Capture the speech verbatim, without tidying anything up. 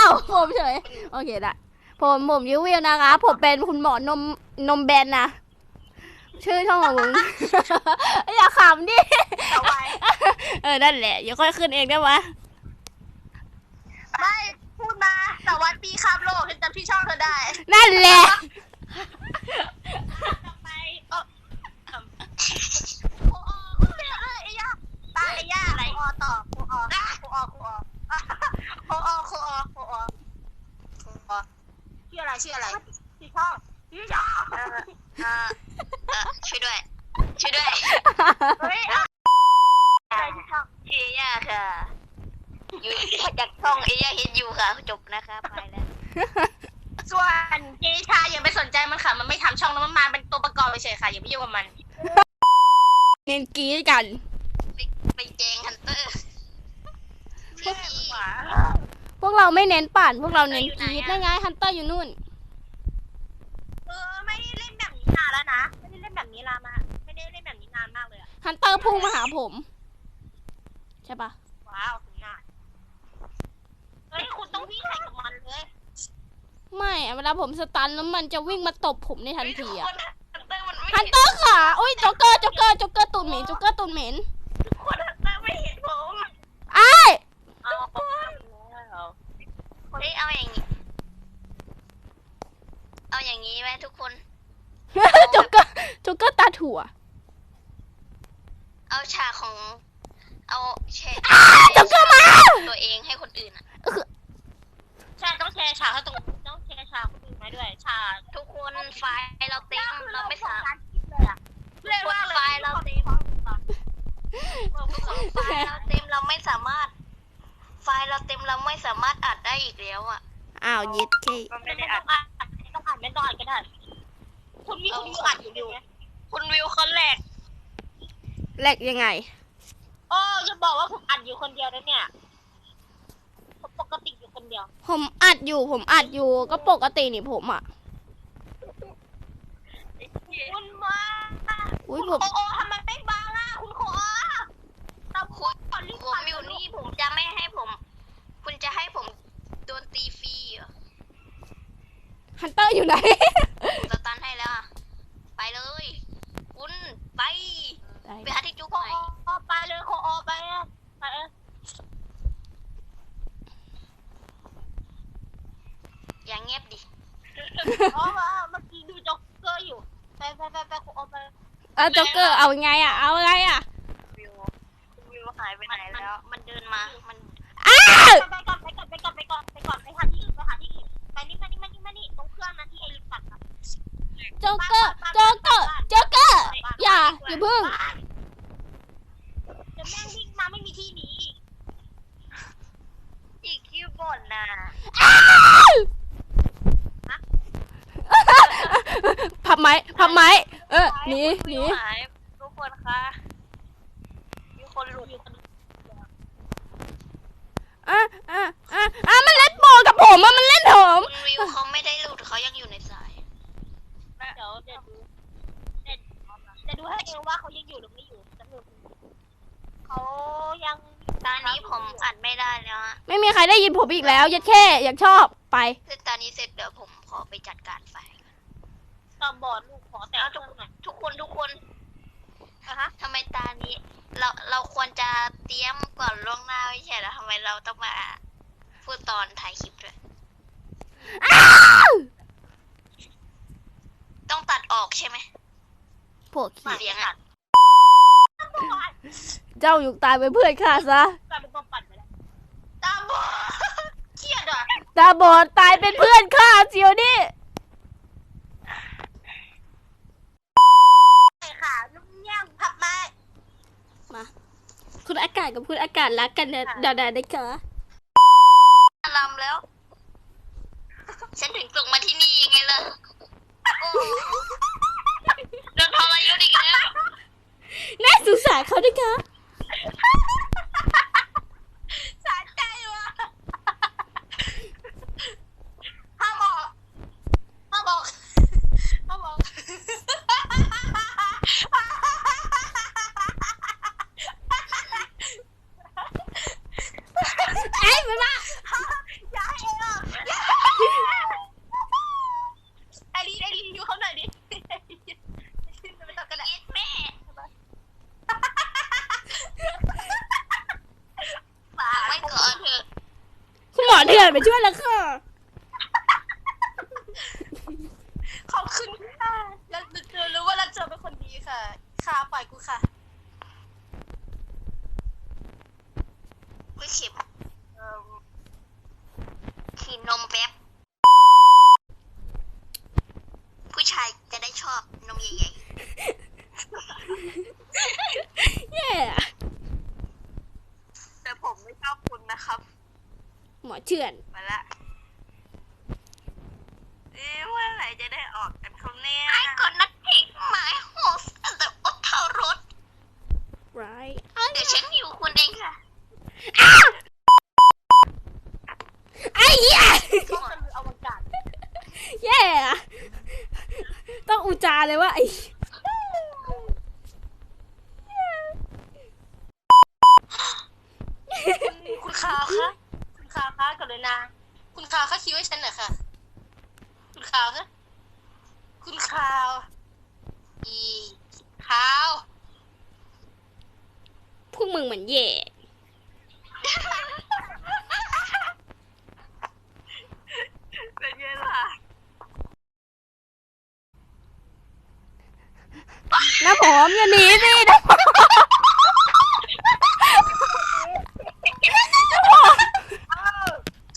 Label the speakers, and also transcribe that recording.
Speaker 1: าวผมเฉยโอเคได้ผมผมยูวิวนะคะผมเป็นคุณหมอนมนมแบนนะชื่อช่องของมึง อย่าขำดิเออนั่นแหละอย่าค่อยขึ้นเองได้ไหม
Speaker 2: ไม่พูดมาแต่วัดปีข้ามโลกฉันจำที่ช่องเธอได้
Speaker 1: นั่นแหละ
Speaker 2: ไปโอ้โอ้โอ้เอ้ยไอ้ย่าตาไอ้ย่าอะไรโอต่อโอโอโอโอโอโอโอโอโอโอโอชื่ออะไรชื่ออะไรชื่อช่องชื่อช่องเออเออช่วยด้วยช่วยด้วยเฮ้ยชื่อย่าค่ะอยู่จากช่องเอย่าเห็นอยู่ค่ะจบนะคะไปแล้วส่วนเจชาอย่าไปสนใจมันค่ะมันไม่ทำช่องแล้วมันมาเป็นตัวประกอบเฉยค่ะอย่าไปยุ่งกับมัน
Speaker 1: เน้นกีดกัน
Speaker 2: ไปไปแจงฮันเตอร์
Speaker 1: พวกเราไม่เน้นปั่นพวกเราเน้นกีดได้ไงฮันเตอร์อยู่นู่น
Speaker 2: เออไม่ได้เล่นแบบนี้นานแล้วนะไม่ได้เล่นแบบนี้นานมาไม่ได้เล่นแบบนี้นานมากเลยอะ
Speaker 1: ฮันเตอร์พุ่งมาหาผมใช่ปะ
Speaker 2: ว้าวถึงนานเฮ้ยคุณต้องวิ่งแข่งกับมันเลย
Speaker 1: ไม่เวลาผมสตันแล้วมันจะวิ่งมาตบผมในทันทีอะ
Speaker 2: ฮั
Speaker 1: นเตอร์ค่ะอุ้ยจ็อกเกอร์จ็อกเกอร์จ็อกเกอร์ตูนเหม็นจ็อกเกอร์ตูนเหม็น
Speaker 2: ทุกคนฮันเตอร์ไม่เห็นผม
Speaker 1: ไอ้
Speaker 2: เอาเฮ้ยเอาอย่างนี้เอาอย่างนี้ไหมทุกคน
Speaker 1: จ็อกเกอร์จ็อกเกอร์ตาถั่ว
Speaker 2: เอาฉากของเอาแชร์
Speaker 1: จ็อกเกอร์มา
Speaker 2: ตัวเองให้คนอื่นอ่ะใช่ต้องแชร์ฉากให้ตรงต้องแชร์ฉากคนอื่นมาด้วยฉากทุกคนไฟล์เราเต็มเราไม่สามารถเรียกว่าไฟล์เราเต็มไฟล์เราเต็มเราไม่สามารถไฟล์เราเต็มเราไม่สามารถอัดได้อีกแล้วอ่ะ
Speaker 1: อ้าวยิดเค
Speaker 2: ไม่ได้อัดต้องอัดไม่ต้องอัดก็ได้คุณวิวคุณวิวอัดอยู่คุณวิวคนแรก
Speaker 1: แรกยังไง
Speaker 2: โอ้จะบอกว่าผมอัดอยู่คนเดียวนะเนี่ยปกติอยู่คนเดียว
Speaker 1: ผมอัดอยู่ผมอัดอยู่ก็ปกตินี่ผมอ่ะ
Speaker 2: คุณมา
Speaker 1: อุ้ยผม
Speaker 2: โอ้ทำไมไม่บังอ่ะคุณโคตาคุณผมอยู่นี่ผมจะไม่ให้ผมคุณจะให้ผมโดนตีฟรีเหรอ
Speaker 1: ฮันเตอร์อยู่ไหน
Speaker 2: สตันให้แล้วไปเลยคุณไปไปหาที่จุกหน่อยไปเลยโคอไปไปอย่างเงียบดิอ๋อเมื่อกี้ดูจ็อกเกอร์อยู่ไปไปไปไปโคอไป
Speaker 1: เออจ็อกเกอร์เอาไงอ่ะเอาไงอ่ะ
Speaker 2: วิววิวหายไปไหนแล้วมันเดินมามัน
Speaker 1: อ้า
Speaker 2: ไปก่อนไปก่อนไปก่อนไปก่อนไปก่อนไปหาที่อื่นไปหาที่อื่นไปนี่มานี่มานี่มานี่ตรงเครื่องนั้นที่ไอริปัดอะ
Speaker 1: จ็อกเกอร์จ็อกเกอร์จ็อกเกอร์อย่าอย่าพึ่ง
Speaker 2: เดี๋ยวแม่งวิ่งมาไม่มีที่หนีอีกอีกคิวบ่นน่ะ
Speaker 1: พับไม้พับไม้เออหนีหนี
Speaker 2: ทุกคนคะมีคนหลุดอยู่คน
Speaker 1: อ่ะอ่ะอ่ะอ่ะมันเล่นโบกับผมอ่ะมันเล่นผม
Speaker 2: คุณวิวเขาไม่ได้หลุดเขายังอยู่ในสายเดี๋ยวเดี๋ยวดูจะดูให้เอวว่าเขายังอยู่หรือไม่อยู่จะดูเขายังตอนนี้ผมอัดไม่ได้แล้วอะ
Speaker 1: ไม่มีใครได้ยินผมอีกแล้วยัดแค่อยากชอบไป
Speaker 2: คือตอนนี้เสร็จเดี๋ยวผมขอไปจัดการไฟตอบบอดลูกขอแต่ทุกทุกคนทุกคนอะฮะทำไมตานี้เราเราควรจะเตรียมก่อนล่วงหน้าไม่ใช่หรอทำไมเราต้องมาพูดตอนถ่ายคลิปด้วยต้องตัดออกใช่ไหม
Speaker 1: พวกขี้
Speaker 2: เสียงอ่ะ
Speaker 1: เจ้าอยู่ตายเป็นเพื่อนข้าซะ
Speaker 2: ตาเป็นตัวปั่นไปแล้วตาบอดเครียดอ่ะ
Speaker 1: ตาบอดตายเป็นเพื่อนข้าเจียวนี่
Speaker 2: ค่ะลุงย่างผับมา
Speaker 1: มาคุณอากาศกับคุณอากาศรักกันนะดาดาได้ค่ะ
Speaker 2: ลำแล้วฉันถึงส่งมาที่นี่ยังไงล่ะโดนทรยศอีกแล้ว
Speaker 1: น่าสงสารเขาด้วยค่ะ
Speaker 2: สะใจว่ะห้ามบอกห้ามบอกห้ามบอก
Speaker 1: ไอ้มาละ
Speaker 2: อย่าให้เออ
Speaker 1: อเถื่อนไปช่วยแล้วค่ะ
Speaker 2: ขอบคุณค่ะแล้วเธอรู้ว่าเราเจอเป็นคนดีค่ะค่ะปล่อยกูค่ะกูเข็มเอ่อขีนมแป๊บผู้ชายจะได้ชอบนมใหญ่
Speaker 1: แย่
Speaker 2: ๆแต่ผมไม่ชอบคุณนะครับ
Speaker 1: หมอเถื่อน
Speaker 2: มาละเอ๊ะเมื่อไหร่จะได้ออกกันครับเนี่ยไอ้กดนัดทิ้งหมายโฮสแต่อดเท่ารถ
Speaker 1: ร้าย
Speaker 2: เดี๋ยวฉันอยู่คุณเองค่ะ
Speaker 1: ไอ้เหี้ย
Speaker 2: ก็คืออวกาศ
Speaker 1: แย่อะต้องอุจาเลยว่าไอ้
Speaker 2: คุณคาวคะคุณคาวคะกรุณาคุณคาวคะคิดไว้ฉันหน่อยค่ะ คุณคาวคะคุณคาวอีคาว
Speaker 1: พวกมึงเหมือนแย่
Speaker 2: เป็นไงล่ะ
Speaker 1: น้าผมอย่าหนีสิน้า